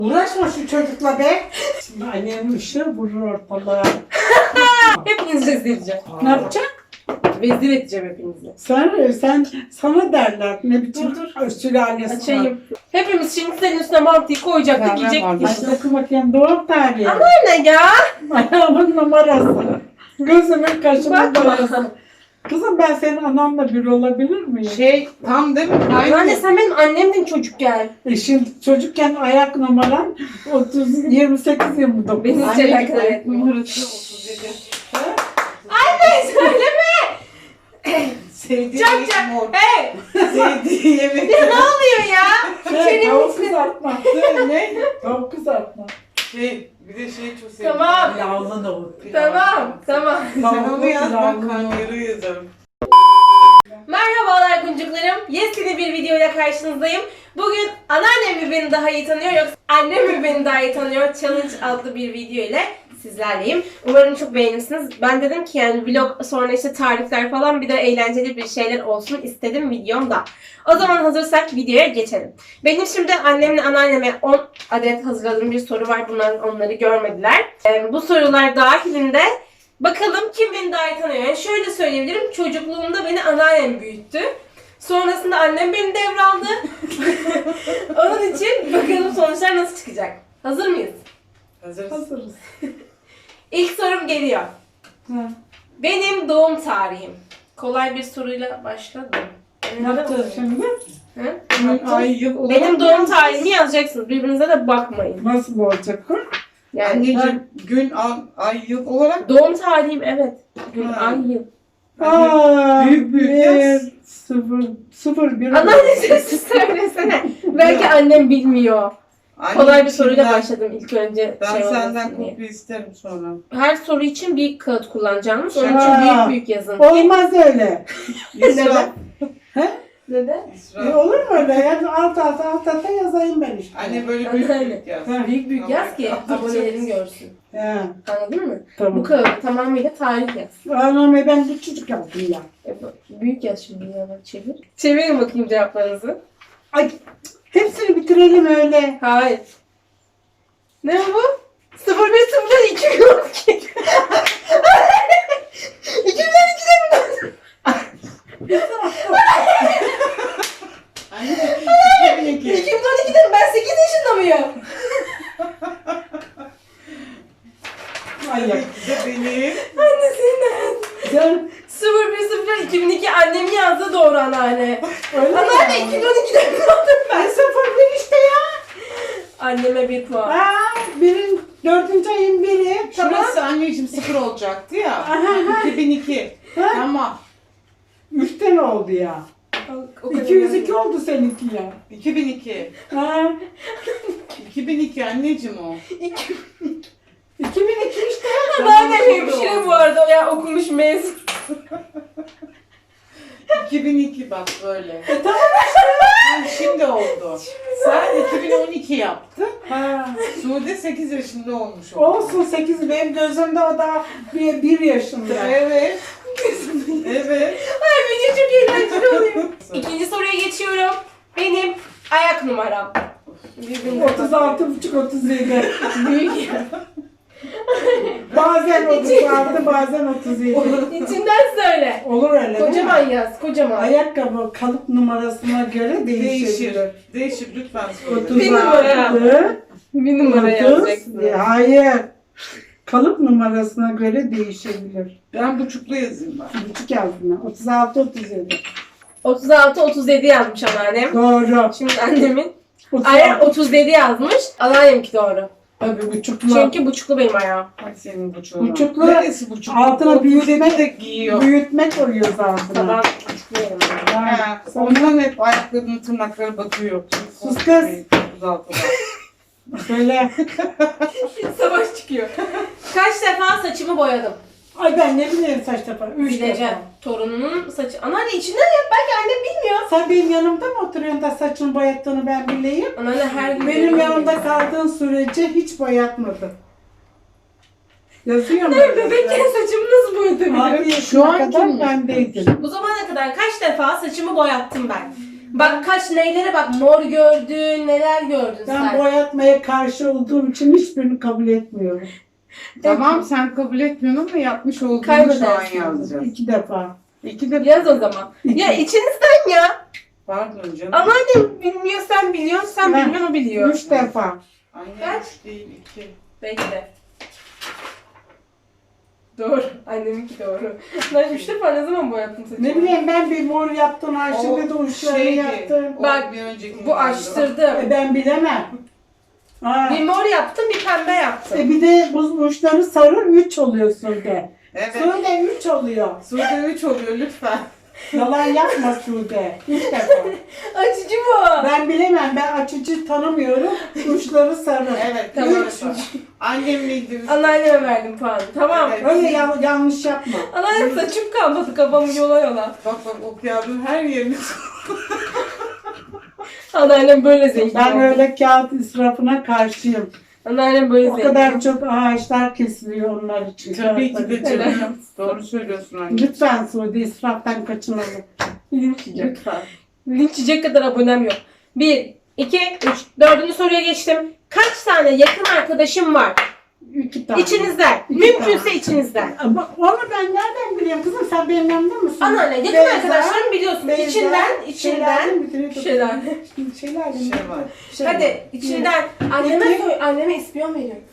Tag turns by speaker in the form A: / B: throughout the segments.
A: Uğraşma şu çocukla be. Şimdi annem ışığı vurur ortalığa.
B: Hepinizi rezil edeceğim.
A: Ne yapacak?
B: Rezil edeceğim hepinizi.
A: Sana derler ne biçim sülalesi var.
B: Açayım. Hepimiz şimdi senin üstüne mantıyı koyacaktık,
A: Hadi
B: yiyecektik.
A: oku bakayım doğum tarihi.
B: Ama ne ya?
A: Ayağımın numarası. Gözümün kaşımın
B: Bakma.
A: numarası. Kızım ben senin ananla bir olabilir miyim?
C: Tam değil mi?
B: Anne sen benim annemdin çocukken.
A: Şimdi çocukken ayak numaran 28-29.
B: Beni hiç alakadar etmiyor.
C: Numarası 37.
B: Anne söyleme.
C: Sevdiği
B: Çak
C: yemek
B: çak.
C: mor.
B: Hey.
C: Sevdiği yemek.
B: Ne oluyor ya?
A: Tavuk kızartma.
C: Ne?
A: Tavuk kızartma.
C: Bir de çok sevdim.
B: Tamam.
A: Yağlı tavuk.
B: Tamam.
C: Sen onu yaz, ben
A: Yağlı
C: karnıyarı yazarım.
B: Merhabalar kuncuklarım. Yepyeni bir videoyla karşınızdayım. Bugün anneannem mi beni daha iyi tanıyor yoksa annem mi beni daha iyi tanıyor challenge adlı bir video ile sizlerleyim. Umarım çok beğenirsiniz. Ben dedim ki yani vlog sonra işte tarifler falan bir de eğlenceli bir şeyler olsun istedim videomda. O zaman hazırsak videoya geçelim. Benim şimdi annemle anneanneme 10 adet hazırladığım bir soru var. Bunlar onları görmediler. Bu sorular dahilinde bakalım kim beni daha iyi tanıyor. Yani şöyle söyleyebilirim. Çocukluğumda beni anneannem büyüttü. Sonrasında annem beni devraldı. Onun için bakalım sonuçlar nasıl çıkacak. Hazır mıyız?
A: Hazırız.
B: İlk sorum geliyor.
A: Ha.
B: Benim doğum tarihim. Kolay bir soruyla başladım.
A: Ne yapacağız şimdi?
B: Hı?
C: Ay yıl olarak
B: Benim doğum tarihimi yazacaksınız. Birbirinize de bakmayın.
A: Nasıl olacak o?
B: Yani
C: Anneciğim gün, ay, yıl olarak
B: doğum tarihim evet. Gün,
C: Ha.
B: ay, yıl.
A: Aa,
C: büyük yaz.
A: 0 1.
B: Anneanne sessiz söylesene. Belki annem bilmiyor. Kolay bir soruyla başladım ilk önce.
C: Ben
B: şey
C: senden
B: olmasın diye.
C: kopya isterim sonra.
B: Her soru için bir kağıt kullanacağım. Onun için
A: Aa.
B: büyük yazın.
A: Olmaz öyle.
C: İsra.
B: Neden?
C: İsra.
A: Olur mu öyle? Yani alt alta yazayım ben işte.
C: Anne böyle büyük
B: Anne.
C: büyük yaz.
A: Ha.
B: Büyük büyük yaz ki abonelerin görsün.
A: He,
B: Anladın mı? Bu
A: tamam.
B: kağıt tamamıyla tarih yaz.
A: Anam ben bir çocuk yaptım ya.
B: Büyük yaz şimdi ya bak çevir. Çevirin bakayım cevaplarınızı.
A: Ay hepsini bitirelim öyle.
B: Hayır. Ne bu? 01 2012. 2012'de mi?
C: Anne 2002.
B: 2012'de mi? Ben 8 yaşında mıyım?
A: Ay ya.
C: De benim.
B: Annesinden.
A: Sen
B: 01 2002 annemin yazdığı doğru anneanne.
A: öyle
B: Anneanne
A: mi?
B: 2012'de mi doğdum ben?
A: 0 işte ya.
B: Anneme bir puan.
A: Aa, 4. ayın biri. Tamam.
C: Şurası anneciğim 0 olacaktı ya.
A: Aha.
C: 2002.
A: Ha?
C: Tamam.
A: 3'ten oldu ya.
B: O kadar
A: 202 oldu seninki ya.
C: 2002.
A: Ha,
C: 2002 anneciğim o.
A: 2002 işte.
B: Anneannem hemşire bu arada ya okumuş mezun.
C: 2002 bak böyle.
A: Tamam
C: Yani şimdi oldu. Sen 2012 yaptın.
A: Ha.
C: Sude 8 yaşında olmuş oldu.
A: Olsun 8 benim gözümde o da 1 yaşında.
C: Evet. Evet.
B: Ay video çok eğlenceli oluyor. İkinci soruya geçiyorum. Benim ayak numaram. Birbirine bak.
A: 36,5-37.
B: Büyük ya.
A: Bazen 36 bazen 37.
B: İçinden söyle.
A: Olur öyle değil
B: Kocaman
A: mi?
B: yaz, kocaman.
A: Ayakkabı kalıp numarasına göre
C: Değişir.
A: değişebilir.
C: Değişir lütfen söyle.
A: 36.
B: Bir numara. Bir numara
A: 30,
B: yazacaksın.
A: hayır. Kalıp numarasına göre değişebilir.
C: Ben buçuklu yazayım ben.
A: Buçuk yazdım ben. 36-37.
B: 36-37 yazmış anneannem.
A: Doğru.
B: Şimdi annemin
A: 36.
B: ayağı 37 yazmış. Anneannemki doğru.
A: Tabii buçuklu.
B: Çünkü buçuklu benim ayağım.
C: Ay senin buçuğun.
A: Buçuklu.
C: Neresi buçuklu?
A: Altına
C: 37
A: büyütmek
C: de giyiyor.
A: Büyütmek koyuyoruz altına.
B: Tamam, buçuklu yerim.
C: Ha, ondan hep ayaklarının tırnakları batıyor.
A: Sus kız.
C: 36'da.
A: Böyle.
B: Savaş çıkıyor. Kaç defa saçımı boyadım?
A: Ay ben ne bileyim saç defa. 3
B: Bileceğim.
A: defa.
B: Torununun saçı. Anneanne içinden yap. Belki annem bilmiyor.
A: Sen benim yanımda mı oturuyorsun da saçını boyattığını ben bileyim?
B: Anneanne her gün
A: Benim yanımda kaldığın sürece hiç boyatmadın. Yazıyor mu?
B: bebekken saçımı nasıl boyatabilirim?
A: Abi
C: Şu
A: şu
C: an
A: kadar
C: kim?
A: bendeydim.
B: Bu zamana kadar kaç defa saçımı boyattım ben? Bak kaç neylere bak, mor gördün, neler gördün
A: Ben
B: sen.
A: boyatmaya karşı olduğum için hiçbirini kabul etmiyorum.
C: Tamam sen kabul etmiyorsun ama yapmış olduğunu şu an
B: Kaybedersin.
C: yazacağız.
A: 2 defa.
C: 2 de
B: Yaz o zaman. Ya içinizden ya.
C: Pardon canım.
B: Anneannem bilmiyor, sen biliyorsun, sen
A: Ben-
B: bilmiyorsun, o biliyor.
A: 3 defa.
C: Anne
B: Kaç?
C: 3 değil 2.
B: Bekle. Doğru. Anneminki doğru. Ben 3 defa ne zaman boyattım saçımı?
A: Ne bileyim ben bir mor yaptım, Ayşe'de de uçlarını yaptım.
B: Bak,
C: bir önceki
B: Bu açtırdım.
A: Ben bilemem. Ha.
B: Bir mor yaptım, bir pembe yaptım.
A: Bir de bu uçları sarı 3 oluyor Sude.
C: Evet.
A: Sude 3 oluyor.
C: Sude 3 oluyor lütfen.
A: Yalan yapma Sude. 3 defa.
B: Açıcı bu.
A: Ben bilemem. Ben açıcı tanımıyorum. Uçları sarı.
C: Evet.
B: Tamam.
C: Tamam. Annem neydi?
B: Anneanneme verdim puanı. Tamam.
C: Evet.
A: Öyle yanlış yapma.
B: Anneannem saçım kalmadı, kafamı yola yola.
C: Bak o kağıdın her yerini.
B: Anneannem böyle zengin
A: Ben
B: oldu.
A: öyle kağıt israfına karşıyım.
B: Anneannem böyle
A: O
B: zengin.
A: kadar çok ağaçlar kesiliyor onlar için.
C: Tabii ki de
A: Kağıtları.
C: canım. Doğru söylüyorsun anne.
A: Lütfen Sude israftan kaçınalım.
B: Linç yiyecek.
A: Lütfen.
B: Linç yiyecek kadar abonem yok. 1, 2, 3. Dördüncü soruya geçtim. Kaç tane yakın arkadaşım var?
A: 2 tane.
B: İçinizden.
A: İki
B: Mümkünse
A: tane.
B: içinizden.
A: Ama onu ben nereden biliyorum kızım? Sen benim yanımda mısın?
B: Anneanne yakın
A: Beyza,
B: arkadaşlarım biliyorsun.
A: Beyza,
B: içinden.
A: Şelale mi?
B: Şelale.
A: Şelale mi?
C: Şey var.
A: Şelale.
B: Hadi içinden. Anneme
A: İki.
B: söyle. Anneme ispiyon veriyorum.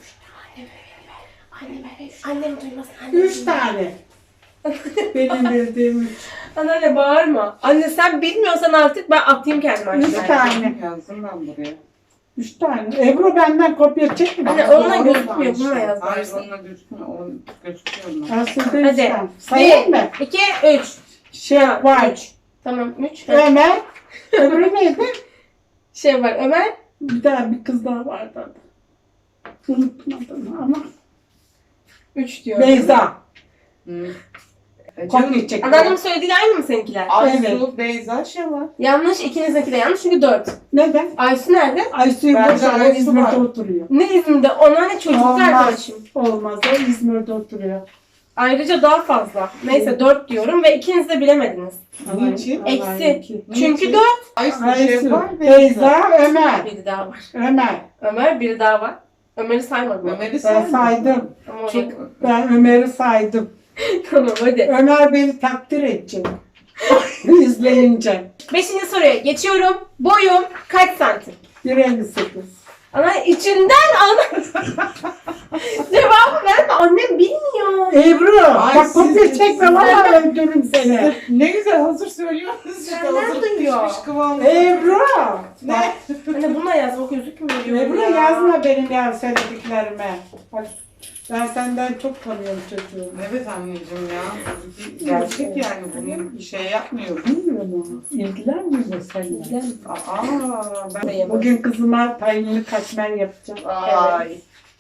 B: Annem duymasın. Annem
A: 3 tane. Benim bildiğim 3.
B: Anneanne bağırma. Anne sen bilmiyorsan artık ben atayım kendimi
A: Üç
B: aşağıya.
A: tane.
C: Yazdım ben buraya.
A: 3 tane. Ebru benden kopya çekme.
B: Anne,
C: Ama
B: onunla
C: doğru
B: gözükmüyor,
C: varmış.
B: bununla yaz
C: Hayır
B: varsa.
C: onunla gözükmüyor. O gözüküyor mu?
A: Aslında
B: Hadi.
A: Hadi. Sayayım mı?
B: 2, 3.
A: Şey var.
B: 3. Tamam 3.
A: Ömer. Öbürü neydi?
B: Şey var Ömer.
A: Bir kız daha vardı adı. Unuttum adını ama.
B: 3 diyor.
A: Beyza.
C: Hı.
A: Kopya çekme.
B: Anneannemin söylediği aynı mı seninkiler?
C: Aysu, Beyza şey var.
B: Yanlış, ikinizinki de yanlış çünkü 4.
A: Neden?
B: Aysu nerede?
A: Aysu'yu
C: Ben de
A: boşver. O
C: Aysu
A: İzmir'de
C: var.
A: oturuyor.
B: Ne İzmir'de? Anneanne çocukluk
A: Olmaz.
B: arkadaşım.
A: Olmaz. O İzmir'de oturuyor.
B: Ayrıca daha fazla. Neyse 4 diyorum ve ikiniz de bilemediniz.
C: Niçin?
B: Eksi. Çünkü 4.
C: Aysu,
A: Aysu,
C: şey var.
A: Beyza, Ömer.
B: Biri daha var.
A: Ömer.
B: Ömer biri daha var. Ömer'i saymadım.
C: Ömer'i
A: Ben
C: sen
A: saydım.
B: Ama o
C: Çok...
B: yakın.
A: Ben Ömer'i saydım.
B: Tamam hadi.
A: Ömer beni takdir edecek. İzleyince.
B: 5. soruya geçiyorum. Boyum kaç santim?
A: 1.58.
B: Ana içinden ana. Cevabı verme. Annem bilmiyor.
A: Ebru,
C: Ay,
A: bak kopya
C: siz-
A: çekme valla öldürürüm seni.
C: Ne güzel hazır söylüyorsunuz. İşte
B: Senden
C: hazır
B: duyuyor.
C: pişmiş kıvamı.
A: Ebru.
C: Ne?
B: Anne buna yaz bak gözükmüyor.
A: Ebru
B: ya.
A: yazma benim ya söylediklerime. Bak, ben senden çok tanıyorum çocuğumu.
C: Evet anneciğim ya. Gerçek yani bunu bir şey yapmıyorum.
A: Bilmiyor mu? İlgilenmiyor seninle.
C: Aa ben...
A: Bugün kızıma tayinli katmer yapacağım.
C: Ay.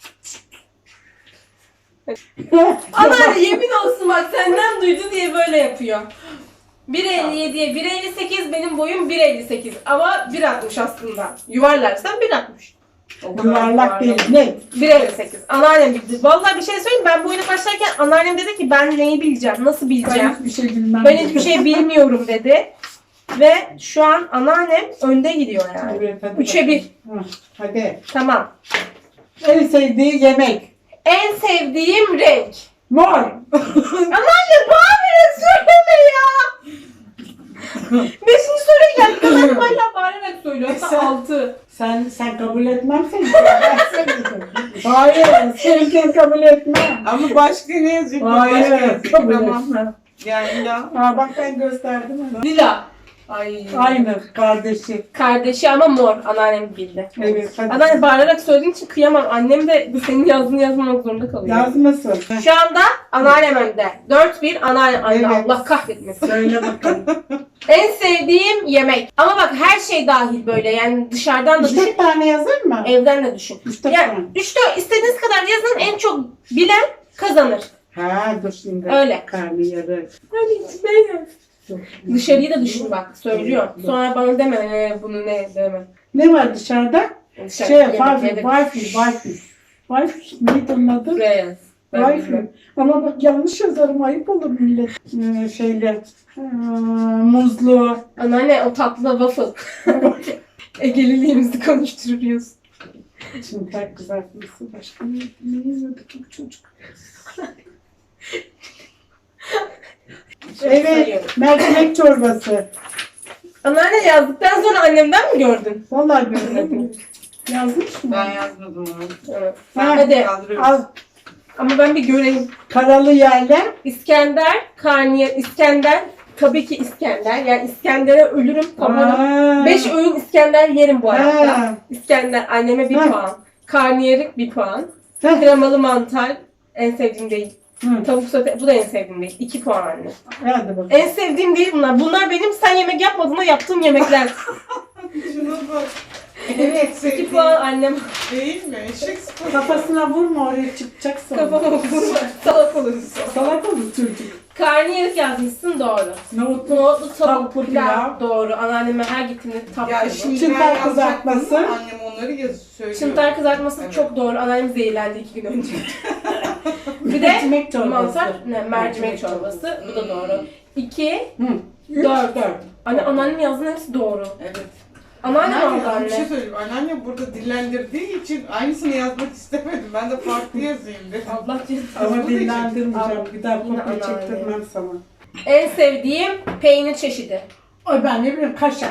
B: Anneanne yemin olsun bak senden duydu diye böyle yapıyor. 1.57'ye 1.58 benim boyum 1.58 ama 1.60 aslında. Yuvarlarsan 1.60.
A: Yuvarlak değil. Ne?
B: 1.58. Anneannem bildi. Vallahi bir şey söyleyeyim ben bu oyuna başlarken anneannem dedi ki ben neyi bileceğim, nasıl bileceğim.
A: Ben hiçbir şey bilmem.
B: Ben hiçbir şey bilmiyorum dedi. Ve şu an anneannem önde gidiyor yani.
A: Evet, hadi
B: 3'e 1.
A: bakalım. Hadi.
B: Tamam.
A: En sevdiği yemek.
B: En sevdiğim renk.
A: Mor.
B: Anneanne bağırarak söyleme ya. 5. soruya geldi. Kızım hala bağırarak söylüyor. Hatta 6.
A: Sen kabul etmem seni. Ben sevmedim. Hayır. Sevdiğini kabul etmem.
C: Ama başka ne yazacak?
A: Hayır.
C: Başka
A: Kabul
C: tamam.
A: etmem.
C: Yani ya.
A: Ha, bak ben gösterdim ona.
B: Lila. Ay.
A: Aynı kardeşi.
B: Kardeşi ama mor. Anneannem bildi.
A: Evet. Hadi.
B: Anneanne bağırarak söylediğin için kıyamam. Annem de senin yazdığını yazmamak zorunda kalıyor.
A: Yazmasın.
B: Şu anda anneannem önde. 4-1 anneannem. Ay
A: Evet.
B: Allah kahretmesin.
A: Söyle bakalım.
B: En sevdiğim yemek. Ama bak her şey dahil böyle. Yani dışarıdan da düşün.
A: 3 tane yazar mı?
B: Evden de düşün.
A: 3
B: Ya
A: tane.
B: 3-4 istediğiniz kadar yazın. En çok bilen kazanır.
A: Ha dur şimdi.
B: Öyle.
A: Karnıyarık.
B: Hadi içinden yaz. Dışarıyı da düşün bak. Söylüyor. Sonra bana deme bunu ne deme.
A: Ne var dışarıda?
B: Dışarı,
A: Şey,
B: yemekleri
A: Wi-Fi,
B: de-
A: Wi-Fi, Wi-Fi. Wi-Fi neydi onun adı?
B: Buraya yaz. Ben
A: Wi-Fi.
B: bilmem.
A: Ama bak yanlış yazarım, ayıp olur millet. Şeyle. Muzlu.
B: Anneanne o tatlı waffle. Egeliliğimizi konuşturuyoruz.
A: Çıntar kızartması. Başka ne yiyorduk bu çocuk? Evet. Mercimek çorbası.
B: Anneanne yazdıktan sonra annemden mi gördün?
A: Vallahi görmedim. Yazmış mı?
C: Ben yazmadım onu.
B: Evet.
A: Ha,
B: Hadi.
C: Kaldırıyoruz.
A: Al.
B: Ama ben bir göreyim.
A: Karalı yerler.
B: İskender, karnıyar, İskender. Tabii ki İskender. Yani İskender'e ölürüm. Kafanı. 5 öğün İskender yerim bu hayatta.
A: Ha.
B: İskender anneme 1
A: Ha.
B: puan. Karnıyarık 1 puan.
A: Ha.
B: Kremalı mantar en sevdiğim değil.
A: Hı.
B: Tavuk sote bu da en sevdiğim değil. 2 puan anne.
A: Hadi bakalım.
B: En sevdiğim değil bunlar. Bunlar benim sen yemek yapmadığında yaptığım yemekler.
C: Şuna bak.
B: Evet 2 puan annem.
C: Değil mi? Eşek sıfır.
A: Kafasına vurma, oraya çıkacak sonra.
B: Kafama vurma. Salak oluruz.
A: Salak olur çocuk.
B: Karnıyarık yazmışsın doğru.
A: Nohutlu.
B: Nohutlu tavuk
A: Tavuklu
B: pilav
A: pilav.
B: doğru. Anneanneme her gittiğimde tavuk
C: Ya
B: pilav.
C: şimdi
A: Çıntar
C: ben yazacaktım
A: kızartması.
C: ama annem onları söylüyor.
B: Çıntar kızartması
C: Evet.
B: çok doğru. Anneannem zehirlendi 2 gün önce. Bir de
A: Mercimek çorbası.
B: mantar, mercimek çorbası. Bu da doğru. 2,
A: Hı.
B: 4. Anne anneannem yazdığın hepsi doğru.
C: Evet.
B: Anneannem aldı
C: Anneanne, bir şey
B: anne.
C: söyleyeyim. Anneanne burada dillendirdiği için aynısını yazmak istemedim. Ben de farklı yazayım dedim.
B: Allah cezanı.
A: Ama
C: Bu da
A: dinlendirmeyeceğim. Bir daha
B: Yine
A: kopya
B: anneanne.
A: çektirmem sana.
B: En sevdiğim peynir çeşidi.
A: Ay ben ne bileyim, kaşar.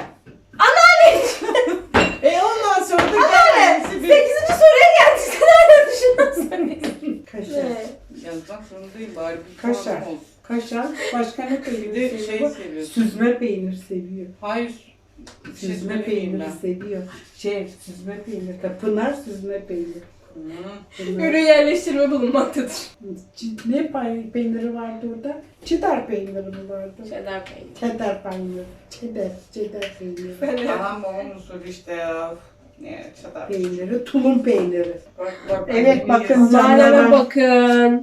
C: Ondan sonra da
B: Anneanne!
C: kendisi
B: 8. soruya geldik. Sen hala düşünüyorsun.
A: Kaşar.
C: yazmak zorundayım bari bir
A: Kaşar.
C: puanım olsun.
A: Kaşar. Başka ne peynir
C: Bir de şey
A: seviyor?
C: seviyorsun.
A: Süzme peynir seviyor.
C: Hayır.
A: Süzme
C: Şey
A: peyniri
C: ben.
A: seviyor. Süzme peynir. Pınar süzme peynir.
C: Hı.
A: Pınar.
B: Ürün yerleştirme bulunmaktadır.
A: Ne peyniri vardı orada? Çedar peyniri mi vardı?
B: Cheddar peynir.
A: Çedar peyniri. Çedar peyniri.
B: Ben de-
C: Anam babam usulü işte ya. Ne çatar.
A: Peyniri, tulum peyniri.
C: Bak,
A: Evet,
C: annemin
A: bakın.
C: yazısı.
B: Malzeme
A: Canlarım.
B: bakın.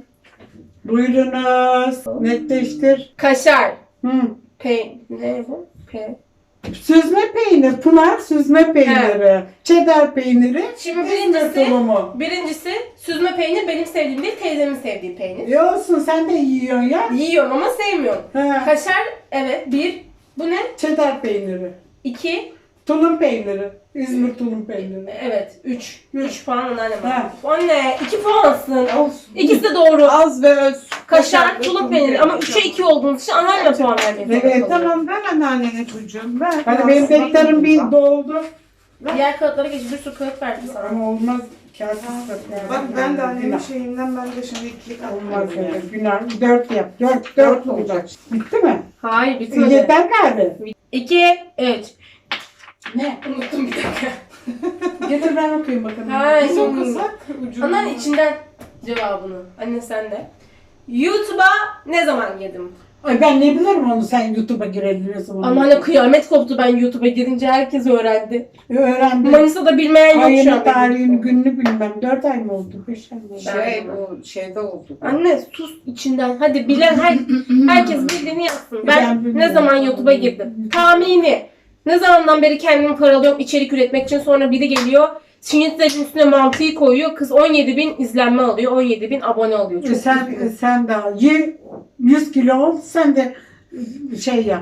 A: Buyurunuz. Netleştir.
B: Kaşar.
A: Hı.
B: Ne bu?
A: Süzme peynir, Pınar süzme peyniri. Çedar peyniri.
B: Şimdi
A: İzmir tulumu.
B: birincisi süzme peynir benim sevdiğim değil, teyzemin sevdiği peynir.
A: İyi olsun, sen de yiyorsun ya.
B: Yiyorum ama sevmiyorum.
A: Ha.
B: Kaşar, evet. 1. Bu ne?
A: Çedar peyniri.
B: 2.
A: Tulum peyniri. İzmir tulum peyniri.
B: Evet. 3. 3 puan anneannem
A: Ha.
B: aldı. Anne 2 puansın.
C: Olsun.
B: İkisi de doğru.
C: Az ve öz.
B: Kaşar, tulum peyniri ama 3'e 2 olduğunuz için anneannem puan vermek zorunda
A: Evet,
B: kalıyor.
C: Tamam ver anneannene çocuğum ver.
A: Hadi benim defterim bir doldu.
B: Diğer kağıtlara geç. Bir sürü kağıt verdim sana.
A: Ama olmaz. Kağıtsız
C: Bak ben de annemin şeyinden ben de şimdi ikilik
A: Olmaz
C: atmadım
A: öyle.
C: yani.
A: Günah. 4 yap. 4
C: Dört
A: olacak. Bitti mi?
B: Hayır bitmedi.
A: Yeter galiba.
B: 2, 3.
A: Ne?
B: Unuttum bir dakika.
A: Getir ben okuyayım bakalım.
B: Ha,
C: Biz
B: yok.
C: okusak ucunu.
B: Anneanne içinden cevabını. Anne sen de. YouTube'a ne zaman girdim?
A: Ay ben ne bilirim onu, sen YouTube'a girelim ne zaman.
B: Anneanne kıyamet koptu ben YouTube'a girince herkes öğrendi.
A: Öğrendim.
B: Manisa'da bilmeyen yok şu
A: Ayını,
B: an.
A: tarihini, gününü bilmem. 4 ay mı oldu? 5 ay mı oldu?
C: Bu şeyde oldu.
B: Anne sus içinden. Hadi bilen herkes bildiğini yapsın.
A: Ben
B: Ben
A: bilmiyorum.
B: ne zaman YouTube'a girdim? Tahmini. Ne zamandan beri kendimi paralıyorum içerik üretmek için, sonra biri geliyor. Şinyetlerin üstüne mantıyı koyuyor. Kız 17.000 izlenme alıyor. 17.000 abone alıyor. Çok üzgünüm.
A: Sen de 100 kilo ol, sen de şey yap.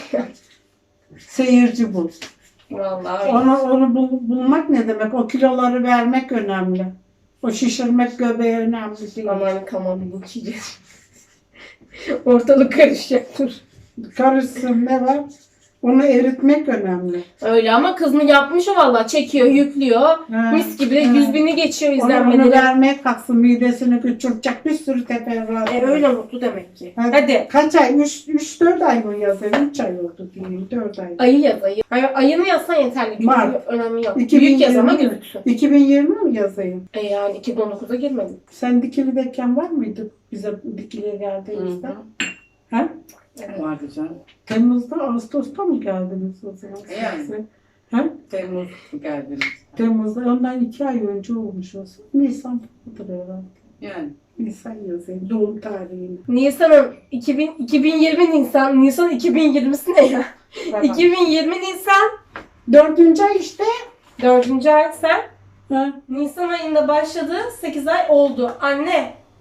A: Seyirci bul.
B: Vallahi.
A: Onu bulmak ne demek? O kiloları vermek önemli. O şişirmek göbeği önemli değil.
B: Aman bu çiğdez. Ortalık karışacak dur.
A: Karışsın, ne var? Onu eritmek önemli.
B: Öyle ama kız mı yapmış o valla. Çekiyor, yüklüyor.
A: Ha,
B: Mis gibi de
A: ha.
B: 100.000'i geçiyor
A: Onu
B: izlenmeleri.
A: vermeye kalksın, midesini küçültecek bir sürü teferruat.
B: Öyle mutlu demek ki.
A: Hadi.
B: Hadi.
A: Kaç ay? 3-4 ay mı yazayım? 3 ay oldu diyeyim. 4 ay.
B: Ayı yaz ayı. Ayını yazsan yeterli. Çünkü
A: Mart.
B: önemi yok.
A: 2020
B: Büyük yaz ama
A: mi?
B: gözüksün.
A: 2020 mi yazayım?
B: Yani 2019'a girmedim.
A: Sen Dikili'deyken var mıydı bize Dikili'ye geldiğimizde? Ha?
B: Evet.
C: Vardı canım.
A: Temmuz'da, Ağustos'ta mı geldiniz o zaman?
C: Yani.
A: Ha?
C: Temmuz geldiniz.
A: Temmuz'da, ondan 2 ay önce olmuş olsun. Nisan budur herhalde.
C: Yani.
A: Nisan yazayım, doğum tarihini.
B: Nisan'ın 2020 Nisan 2020'si ne ya?
C: Bak,
B: 2020 Nisan
A: 4. ay işte.
B: 4. ay sen.
A: Ha?
B: Nisan ayında başladı. 8 ay oldu. Anne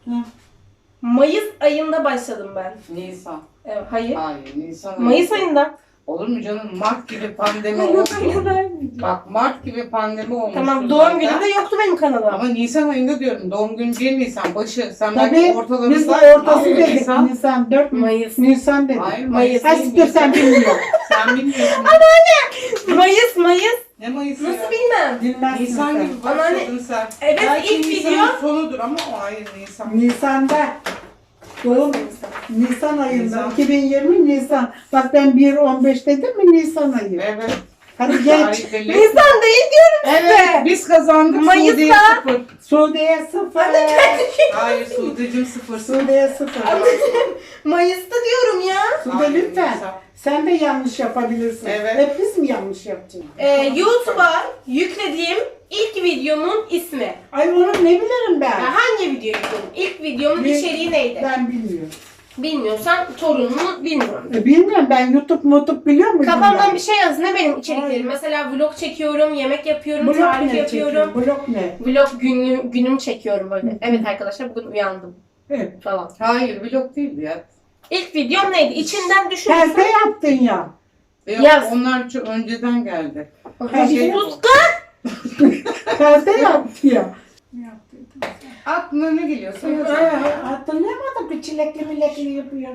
A: Hı.
B: Mayıs ayında başladım ben.
C: Nisan.
B: Evet, hayır.
C: Hayır Nisan.
B: Mayıs ayında.
C: Olur mu canım? Mart gibi pandemi olmuş. Bak Mart gibi pandemi olmuş.
B: Tamam, doğum günü de yoktu benim kanalda.
C: Ama Nisan ayında diyorum. Doğum günü 1 Nisan başı. Sen
A: Tabii
C: belki ortalarında.
A: biz de ortası
C: Hayır,
A: dedik.
C: Nisan.
A: Nisan 4
B: Mayıs.
A: Nisan dedik.
C: Hayır
B: Mayıs.
C: Mayıs.
A: Ay siktir sen bilmiyorsun.
C: Sen bilmiyorsun.
B: Mayıs.
C: Ne Mayıs'ı
B: Nasıl
C: ya?
B: bilmem.
A: Bilmezsin
C: Nisan
A: sen.
C: gibi başladın sen.
B: Evet,
C: Belki
B: ilk
C: Nisan'ın
B: video-
C: sonudur ama o hayır Nisan.
A: Nisan'da. Doğum Nisan ayında.
C: Nisan.
A: 2020 Nisan. Bak ben 1-15 dedim mi Nisan ayı.
C: Evet.
A: Hadi geç.
C: Tarih belli.
B: Nisan değil diyorum
C: Evet.
B: size.
C: Biz kazandık.
B: Mayıs'ta-
C: Suudiye 0.
A: Suudiye 0.
C: Hayır Suudi'cim 0.
A: Suudiye 0.
B: Mayıs'ta diyorum ya.
A: Suudiye
C: Hayır,
A: lütfen.
C: Nisan.
A: Sen de yanlış yapabilirsin.
C: Evet.
A: Hep biz mi yanlış yapacağız?
B: YouTube'a yüklediğim ilk videomun ismi.
A: Ay onu ne bilirim ben?
B: Ya hangi video yükledim? İlk videomun
A: Bir-
B: içeriği neydi?
A: Ben bilmiyorum.
B: Bilmiyorsan torunumu bilmiyorum.
A: Bilmiyorum ben YouTube biliyor muydum?
B: Kafamdan
A: ben?
B: bir şey yaz. Ne benim içeriklerim?
A: Hayır.
B: Mesela vlog çekiyorum, yemek yapıyorum,
A: Blok
B: tarif
A: ne
B: yapıyorum.
A: çekiyor? Blok ne?
B: Vlog günüm çekiyorum böyle. Evet arkadaşlar bugün uyandım
A: Evet.
B: falan.
C: Hayır vlog değildi ya.
B: İlk videom neydi? İçinden düşün.
A: Perde yaptın ya.
C: Yok,
B: Yaz.
C: onlar çok önceden geldi.
B: Hadi
C: Şey
B: sus
C: bu.
B: kız.
A: Perde yaptı ya.
C: Aklına ne geliyorsa yaz.
A: Hatırlayamadım bir çilekli milekli yapıyor.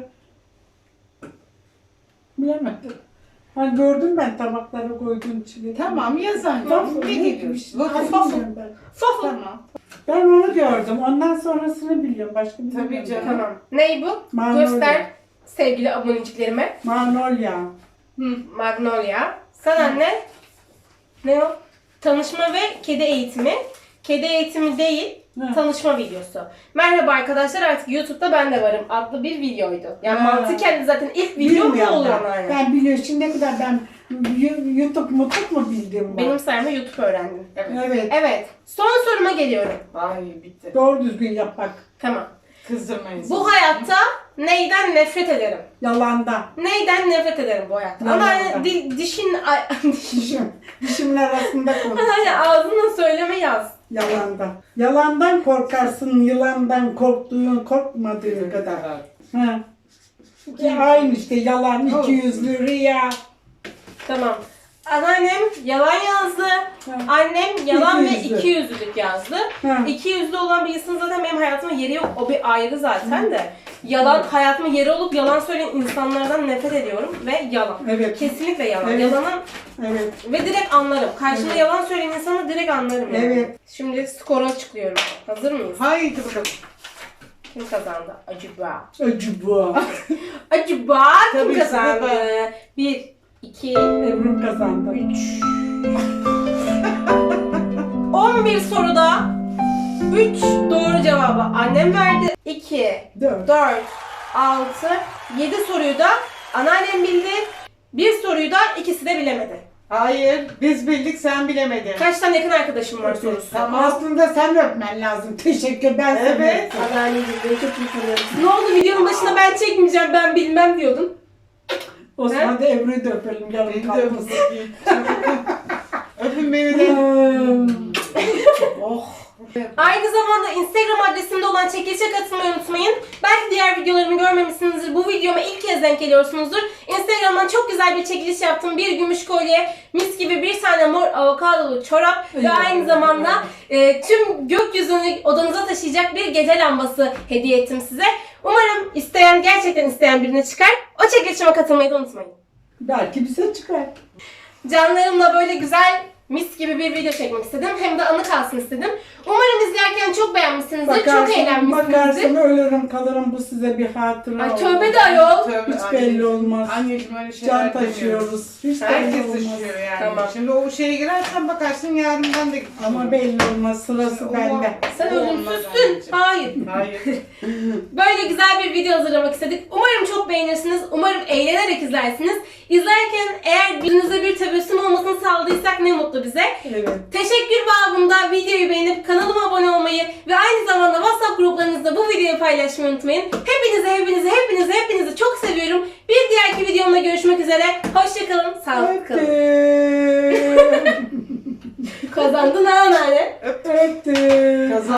A: Bilemedim. Ha gördüm ben tabaklara koyduğum çilekli.
C: Tamam yazan.
A: Tamam,
C: Ne geliyorsun?
A: Ay,
C: Vakıf.
A: bilmiyorum ben.
B: Fofo.
C: Tamam.
A: Ben onu gördüm. Ondan sonrasını biliyorum. Başka bir
C: Tabii
A: bilmiyorum.
C: canım.
B: Tamam. Ney bu?
A: Magnolia.
B: Göster sevgili aboneciklerime.
A: Magnolia.
B: Magnolia. Sana ne? Ne o? Tanışma ve kedi eğitimi. Kedi eğitimi değil,
A: Hı.
B: tanışma videosu. Merhaba arkadaşlar, artık YouTube'da ben de varım adlı bir videoydu. Yani
A: Ha.
B: mantıken zaten ilk video bu
A: Bilmiyorum
B: olur
A: ben.
B: ama yani.
A: Ben biliyorum. Şimdiye kadar ben YouTube mu bildim ben.
B: Benim sayemde YouTube öğrendim.
C: Evet.
A: Evet.
B: Evet. Son soruma geliyorum.
C: Ay bitti.
A: Doğru düzgün yap bak.
B: Tamam.
C: Kızdırmayın.
B: Bu hayatta neyden nefret ederim?
A: Yalanda.
B: Neyden nefret ederim bu hayatta?
A: Yalandan.
B: Ama hani dişin...
A: Dişimin arasında konuş.
B: hani ağzınla söyleme yaz.
A: Yalanda. Yalandan korkarsın, yılandan korkmadığın kadar. Ha. Aynı işte yalan, ikiyüzlü, riya.
B: Tamam. Anneannem yalan yazdı. Annem yalan ve
A: İkiyüzlü.
B: ikiyüzlülük yazdı.
A: Ha.
B: İkiyüzlü olan bir insanın zaten benim hayatımda yeri yok. O bir ayrı zaten de. Yalan hayatımın yeri olup yalan söyleyen insanlardan nefret ediyorum ve yalan.
A: Evet.
B: Kesinlikle yalan.
A: Evet.
B: Yalanın
A: Evet.
B: ve direkt anlarım. Karşımda
A: Evet.
B: yalan söyleyen insanı direkt anlarım yani.
A: Evet.
B: Şimdi skoru açıklıyorum. Hazır mıyız?
C: Haydi bakalım.
B: Kim kazandı? Acaba.
A: Acı bu.
B: Acaba kim
C: Tabii ki de
B: kazandı? 1, 2,
A: Ebru kazandı.
B: 3. 11 soruda 3 doğru cevabı annem verdi. 2,
A: 4.
B: 4, 6, 7 soruyu da anneannem bildi. Bir soruyu da ikisi de bilemedi.
C: Hayır. Biz bildik sen bilemedin.
B: Kaç tane yakın arkadaşım var sorusu.
C: Tamam.
A: Aslında sen öpmen lazım. Teşekkür ben seni
C: Evet.
A: öptüm.
B: Anneanneciğim beni çok iyi tanıyorsun. Ne oldu videonun başında ben çekmeyeceğim ben bilmem diyordun.
A: O zaman da Ebru'yu da öpelim. Yarın
C: Beni de
A: kalmasın.
C: öpün. Öpün beni de. Oh.
B: Aynı zamanda Instagram adresimde olan çekilişe katılmayı unutmayın. Belki diğer videolarımı görmemişsinizdir. Bu videoma ilk kez denk geliyorsunuzdur. Instagram'dan çok güzel bir çekiliş yaptım. Bir gümüş kolye, mis gibi bir tane mor avokadolu çorap ve aynı zamanda tüm gökyüzünü odanıza taşıyacak bir gece lambası hediye ettim size. Umarım gerçekten isteyen birine çıkar. O çekilişime katılmayı da unutmayın.
A: Belki bize çıkar.
B: Canlarımla böyle güzel mis gibi bir video çekmek istedim. Hem de anı kalsın istedim. Umarım izlerken çok beğenmişsinizdir, çok eğlenmişsinizdir.
A: Bakarsın ölürüm kalırım bu size bir hatıra
B: Ay
A: olur.
B: tövbe de ayol.
C: Tövbe
A: Hiç
C: anneciğim.
A: belli olmaz.
C: Anneciğim öyle şeyler
A: Can
C: demiyoruz.
A: taşıyoruz. Hiç belli
C: Herkes
A: olmaz.
C: taşıyor yani.
B: Tamam.
C: Şimdi o şeye girersen bakarsın yarından da gitsin.
A: Ama belli olmaz. Sırası
C: O-
A: bende.
B: Sen
C: o olmaz
B: ölümsüzsün.
C: anneciğim.
B: Hayır.
C: Hayır.
B: Böyle güzel bir video hazırlamak istedik. Umarım çok beğenirsiniz. Umarım eğlenerek izlersiniz. İzlerken eğer yüzünüze bir tebessüm olmasını sağladıysak ne mutlu bize.
A: Evet.
B: Teşekkür babında videoyu beğenip kanalıma abone olmayı ve aynı zamanda WhatsApp gruplarınızda bu videoyu paylaşmayı unutmayın. Hepinizi çok seviyorum. Bir diğerki videomda görüşmek üzere. Hoşçakalın. Sağlıklı kalın.
A: Öptüm.
B: Kazandın ha anneanne.
A: Öptüm.
C: Kazan.